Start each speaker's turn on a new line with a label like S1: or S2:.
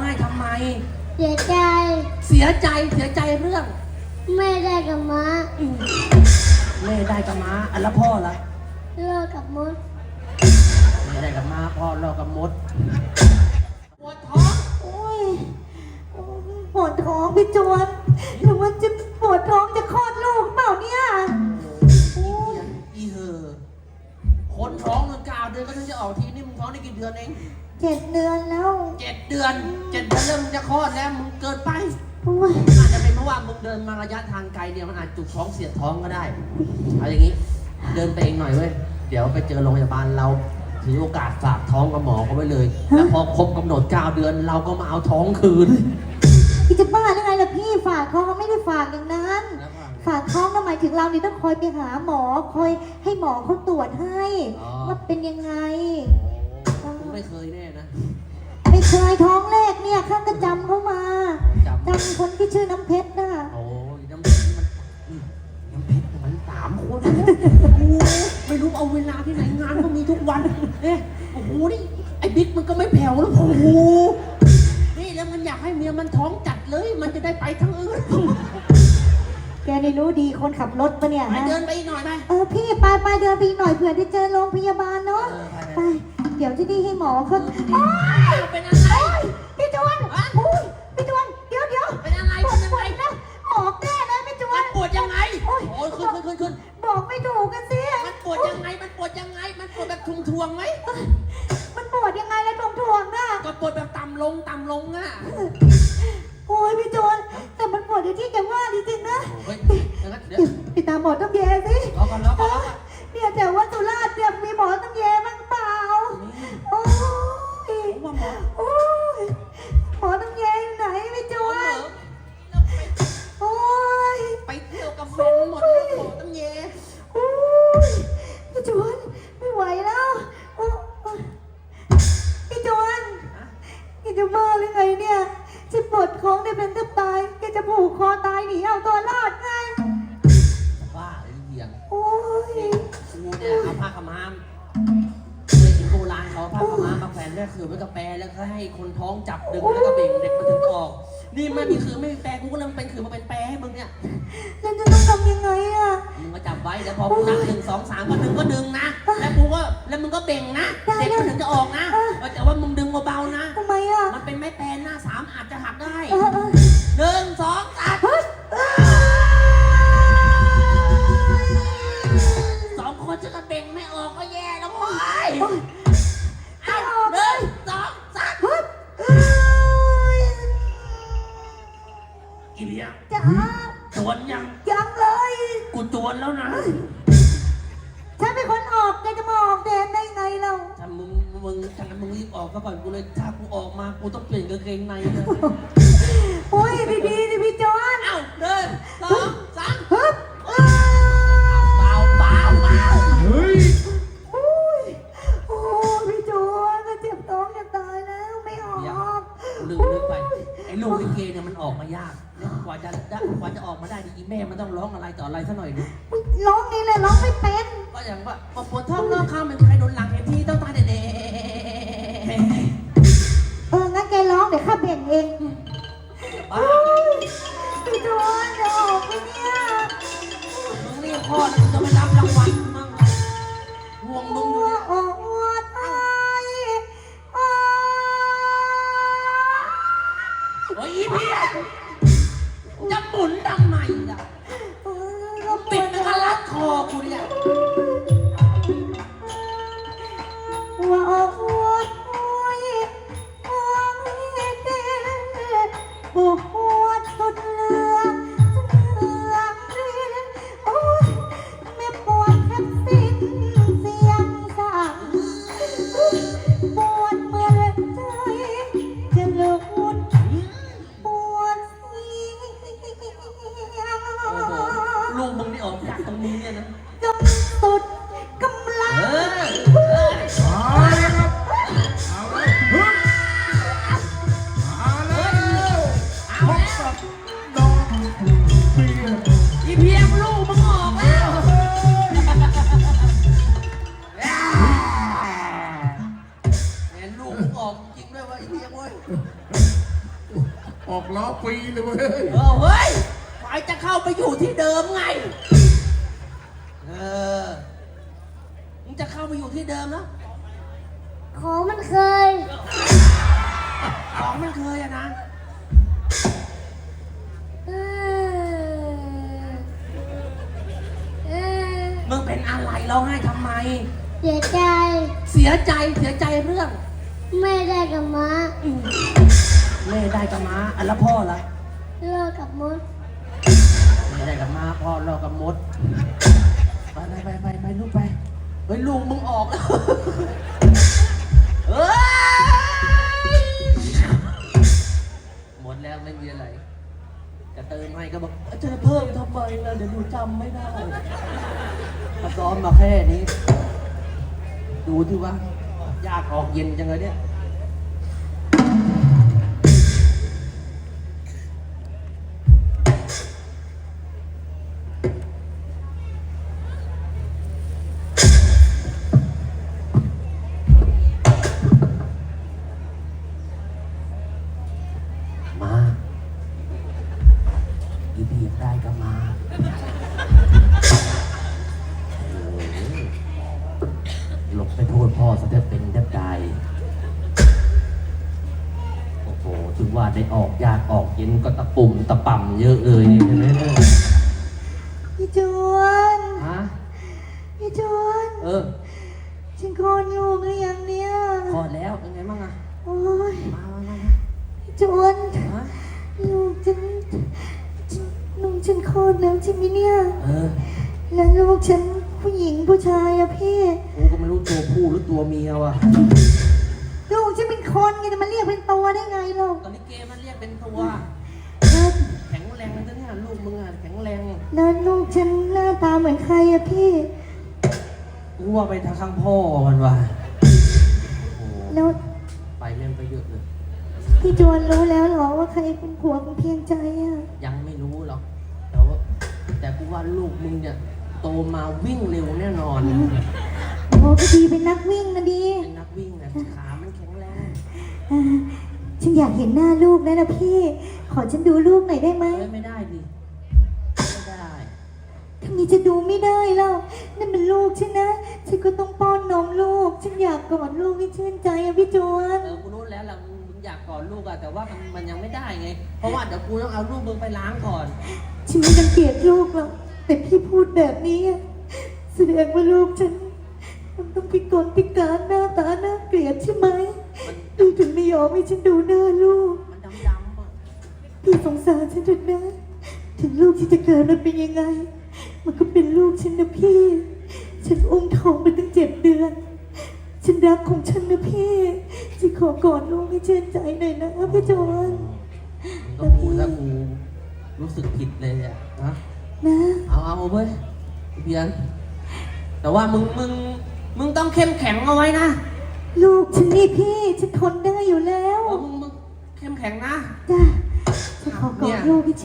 S1: ห้ทำไม
S2: เสียใจ
S1: เสียใจเรื่อง
S2: แม่ได้กับม้า
S1: แม่ได้กับม้าอันละพ่อละ
S2: เลิกกับมด
S1: แม่ได้กับม้าพ่อเลิกกับมดปวดท้อง
S2: โอ้ยปวดท้องพี่จวนหรือว่าจะปวดท้องจะคลอดลูกเปล่าเนี่ย
S1: อีเหอคนท้องมัน9 เดือนก็ถึงจะออกทีนี่มึงท้องได้กี่เดือนเอง
S2: 7 เดือนแล้ว
S1: 7 เดือนเริ่มจะคลอดแล้วมึงเกินไปอาจจะเป็นเพราะว่ามึงเดินมาระยะทางไกลเนี่ยมันอาจจุกท้องเสียดท้องก็ได้เอาอย่างนี้เดินไปเองหน่อยเว้ยเดี๋ยวไปเจอโรงพยาบาลเราถือโอกาสฝากท้องกับหมอเขาไว้เลยแล้วพอครบกำหนด9 เดือนเราก็มาเอาท้องคืน
S2: พี่จะบ้าได้ไงล่ะพี่ฝากท้องเขาไม่ได้ฝากอย่างนั้นฝากท้องก็หมายถึงเรานี่ต้องคอยไปหาหมอคอยให้หมอเขาตรวจให้ว่าเป็นยังไง
S1: ผมไม่เคยแน่นะ
S2: ไม่เคยท้องแรกเนี่ยข้างก็จำเขามาจำคนที่ชื่อน้ำเพชรน่ะ
S1: โอ้ยน้ำเพชรมัน3 คนไม่รู้เอาเวลาที่ไหนงานก็มีทุกวันโอ้โหนี่ไอ้บิ๊กมันก็ไม่แผ่วแล้วโอ้โหนี่แล้วมันอยากให้เมียมันท้องจัดเลยมันจะได้ไปทั้งอื่น
S2: แกนี่รู้ดีคนขับรถปะเนี่ย
S1: เดินไปอีกหน่อยไหม
S2: พี่ไปเดินไปอีกหน่อยเผื่อได้เจอโรงพยาบาลเนาะไปเดี๋ยวจะได้ให้หมอเขา
S1: เป็นอะไร
S2: พี่จวนพี่จวนเดี๋ยว
S1: เป็นอะไร
S2: ปวดนะออกแน่เลยพี่จวน
S1: ปวดยังไงโอ้ยขึ้น
S2: บอกไม่ถูกกันสิ
S1: มันปวดยังไงมันปวดแบบทวงไหม
S2: มันปวดยังไงแล้วทวงน่ะ
S1: ก็ปวดแบบต่ำลงอ่ะ
S2: โอ้ยพี่จวนแต่มันปวดอย่างที่แกว่าจริงๆนะไปตามหมอต้องแย่สิเนี่ยแต่ว่าสุราษฎร์เนี่ยมีหมอต้องแย่บ้างเปล่าโอ้ยหมอต้องแย่ไหนพี่จวนโอ้ย
S1: ไปเที่ยวกับแฟนหมดแล้วหมอต้องแย่
S2: โอ้ยพี่จวนไม่ไหวแล้วพี่จวนแกจะบ้าหรือไงเนี่ยจะปวดท้องได้เป็นแทบตายแกจะผูกคอตายหนีเอาตัวรอดไง
S1: บ้าหรือเหี้ย
S2: โอ้ย
S1: กูเนี่ยเอาผ้าขม้าเลยถึงโบราณเขาผ้าขม้ามาแขวนด้วยคือไว้กับแปรแล้วก็ให้คนท้องจับดึงแล้วก็เบ่งเด็กมาถึงออกนี่ไม่มีคือไม่มีแปรกูก็เลยเป็นคือมาเป็นแปรให้มึงเนี่ย
S2: แล้วจะต้องทำยังไงอ่ะ
S1: มึงก็จับไว้แล้วพอกูนับ1 2 3ก็ดึงนะแล้วมึงก็เบ่งนะเด็กมันถึงจะออกนะแต่ว่ามึงดึงเบาๆนะ
S2: ทำไมอ่ะ
S1: มันเป็นไม้แปรหน้า3อาจจะหักได้1 2 3 2 คนจะกระเบ่งไม่ออกก็แย่แล้วโว้ยเอา1 2 3อีเบีย
S2: จ้า
S1: จวน
S2: ยังเลย
S1: กูจวนแล้วนะ
S2: ฉันเป็นคนออกแกจะมาออกแดนได้ไงเรา
S1: ถ้ามึงรีบออกก็ก่อนกูเลยถ้ากูออกมากูต้องเปลี่ยนกางเกงในเลย
S2: โอ้ยดีพี่จอน
S1: เอ้า1 2 3
S2: ฮึบ
S1: เบา
S3: เฮ้ย
S2: โอ้พี่จอนก็เจ็บท้องจะตายแล้วไม่ออก
S1: ลืมไปไอ้ลูกลิเกเนี่ยมันออกมายากกว่าจะออกมาได้ดีแม่มันต้องร้องอะไรต่ออะไรซะหน่อยนึง
S2: ร้องนี่เลยร้องไม่เป็น
S1: ก็อย่างว่าปวดท้องร้องข้ามเป็นใครโดนหลังเห็นที่ต้องตายเด็
S2: งั้นแกร้องเดี๋ยวข้าเบ่งเองพี่จอนจะออกไหมเนี่ย
S1: มึงเรียกพ่อแล้วมึงจะไม่รับรางวัลมั่งห่วงมึง
S2: อดไ
S1: โอ้ยพี่จะหมุนทำไมล่ะปิดมันก็รัดคอกูเนี่ย
S2: ปวดสุดเลือดโอ้ยไม่ปวดแค่สิ้นเสียงสั่งปวดเมื่อใจจะหลุดปวดเสียง
S1: ลูกมึงนี่ออกจากตรงนี้เนี่ยนะ
S2: จนสุดกำลัง
S1: อีเพียงลูกมึงออกแล้วแหมลูกมึงออกจริงด้วยวะอีเพียงเว้ย
S3: ออกล้อฟรีเลยเว้ย
S1: เฮ้ยไฟจะเข้าไปอยู่ที่เดิมไงมึงจะเข้าไปอยู่ที่เดิมแล้ว
S2: ของมันเคย
S1: ของมันเคยอะนะ มึงเป็นอะไรร้องไห้ทำไม
S2: เสียใจ
S1: เสียใจเรื่อง
S2: ไม่ได้กับม้า
S1: แม่ได้กับม้าอันละพ่อละ
S2: เลิกกับมด
S1: แม่ได้กับม้าพ่อรอกับมด ไปลูกไปเฮ้ยลุงมึงออกแล้วเฮ้ยหมดแล้วไม่มีอะไรจะเติมให้ก็บอกจะเพิ่มทำไมล่ะเดี๋ยวดูจำไม่ได้มาซ้อมมาแค่นี้ดูที่ว่ายากออกเย็นจังเลยเนี่ยมาอีบีบได้ก็มาหลบไปโทษพ่อซะจะเป็นแทบตายโอ้โหถึงว่าได้ออกยากออกเย็นก็ตะปุ่มตะป่ำเยอะเลยนี่เห็นไหมเนี่ย
S2: พี่จวน
S1: ฮะ
S2: พี่จวน ฉันคลอดลูกหรือยังเนี่ย
S1: พอดแล้วเป็นไงบ้างอะ
S2: โอ้ย
S1: มา
S2: พี่จวน
S1: ฮะ
S2: ลูกฉันคลอดแล้วใช่ไหมเนี่ย แล้วลูกฉันผู้หญิงผู้ชายอะพี่
S1: กูก็ไม่รู้ตัวผู้หรือตัวเมียว่ะ
S2: ลูกฉันเป็นคนไงจะมาเรียกเป็นตัวได้ไงลูก
S1: ตอนนี้เกมมันเรียกเป็นตัว
S2: แล้ว
S1: แข็งแรงนะเนี่ยลูกมึงอะแข็งแรง
S2: แล้วลูกฉันหน้าตาเหมือนใครอะพี่
S1: กูว่าไปทางข้างพ่อมันว่ะโอ้โห
S2: แล้ว
S1: ไปเล่นไปเยอะเลย
S2: พี่จวนรู้แล้วเหรอว่าใครเป็นผัวของเพียงใจอะ
S1: ยังไม่รู้หรอกแต่กูว่าลูกมึงเนี่ยโตมาวิ่งเร็วแน่นอน
S2: โอ้ก็ดีเป็นนักวิ่งนะดี
S1: เป็นนักวิ่งนะขามันแข็งแรง
S2: อ่าฉันอยากเห็นหน้าลูกนะพี่ ขอฉันดูลูกหน่อยได้ไหม
S1: ไม่ได้ดิไม่ได้
S2: ทำไมจะดูไม่ได้เล่านั่นเป็นลูกฉันนะ ฉันก็ต้องป้อนนมลูก ฉันอยากกอดลูกให้ชื่นใจอะพี่จวน
S1: กูรู้แล้วล่ะมึงอยากกอดลูกอะแต่ว่ามันยังไม่ได้ไง เพราะว่าเดี๋ยวกูต้องเอาลูกมึงไปล้างก่อน
S2: ฉันไม่รังเกียจลูกหรอกแต่พี่พูดแบบนี้อะแสดงว่าลูกฉันมันต้องพิกลพิการหน้าตาน่าเกลียดใช่ไหมพี่ถึงไม่ยอมให้ฉันดูหน้าลูก
S1: มันดำๆอะ
S2: พี่สงสารฉันเถอะนะถึงลูกที่จะเกิดมันเป็นยังไง มันก็เป็นลูกฉันนะพี่ ฉันอุ้มท้องมาตั้ง7 เดือน ฉันรักของฉันนะพี่ฉันขอกอดลูกให้ชื่นใจหน่อยนะพี่จวน
S1: มึงก็พูดแล้วกูรู้สึกผิดเลยอะนะ
S2: นะ
S1: เอาเว้ยเพียนแต่ว่ามึงต้องเข้มแข็งเอาไว้นะ
S2: ลูกฉันนี่พี่ฉันทนได้อยู่แล้ว
S1: มึงเข้มแข็งนะ
S2: จ้ะฉันขอกอดลูกให้